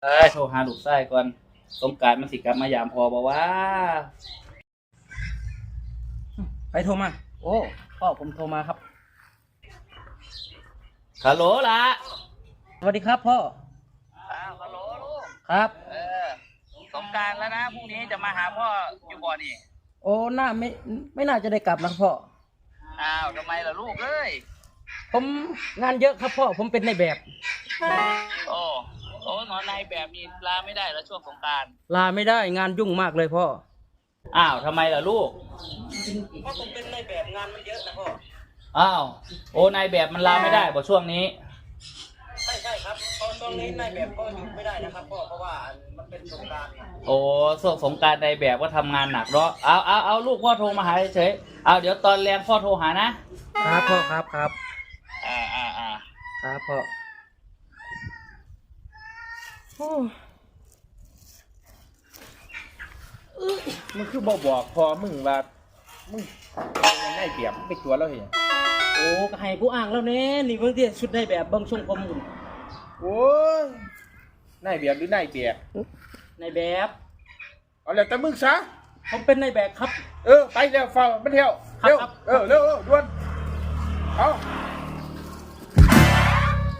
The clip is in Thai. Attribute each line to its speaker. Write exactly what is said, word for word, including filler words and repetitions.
Speaker 1: เอ้ยโทรหาลูกชายก่อนสงกรานต์มันสิกลับมายามพอบ่วะ
Speaker 2: ใครโทรมาโอ้พ่อผมโทรมาครับ
Speaker 1: ฮัลโหลล่ะ
Speaker 2: สวัสดีครับพ่อ
Speaker 1: อ้าวฮัลโหลลูก
Speaker 2: ครับ
Speaker 1: เออสงกรานต์แล้วนะพรุ่งนี้จะมาหาพ่ออยู่บ่นี่
Speaker 2: โอ้น่าไม่ไม่น่าจะได้กลับนะพ่อ
Speaker 1: อ้าวทำไมล่ะลูกเอ้ย
Speaker 2: ผมงานเยอะครับพ่อผมเป็นในแบบ
Speaker 1: โอ้โอ้หมอนายแบบนี้ลาไม่ได้แล้วช่วงสงกรานต์
Speaker 2: ลาไม่ได้งานยุ่งมากเลยพ่อ
Speaker 1: อ้าวทำไมล่ะลูก
Speaker 2: เพราะผมเป็นในแบบงานมันเยอะนะพ่อ
Speaker 1: อ้าวโอ้นายแบบมันลาไม่ได้บ่ช่วงนี้
Speaker 2: ใช่ใช่ครับตอนตอนนี้นายแบบก็หยุดไม่ได้นะครับพ่อเพราะว่ามันเป็นสงกรานต์
Speaker 1: โอ้ช่วงสงกรานต์นายแบบก็ทำงานหนักเนาะเอาเอาเอาลูกพ่อโทรมาหาเฉยเอาเดี๋ยวตอนแรงพ่อโทรหานะครับ
Speaker 2: พ่อครับครับ
Speaker 1: อ่าอ่าอ่า
Speaker 2: ครับพ่อ
Speaker 3: มึงคือบอกบอกพอมึงว่ามึงยังได้เปรียบไปตัวเราเห็น
Speaker 2: โอ้ก็ให้ผู้อ้างแล้วเน่นี่เพิ่งที่ชุดในแบบเบิ่งทรงผมหุ่น
Speaker 3: โอ้ยนายเบียบหรือนายเบียบ
Speaker 2: ในแบบ
Speaker 3: เอาแล้วแต่มึงซะ
Speaker 2: ผมเป็นในแบบครับ
Speaker 3: เออไปเร็วเฝ้ามันเที่ยวเร็วเออเร็วด่วนเอา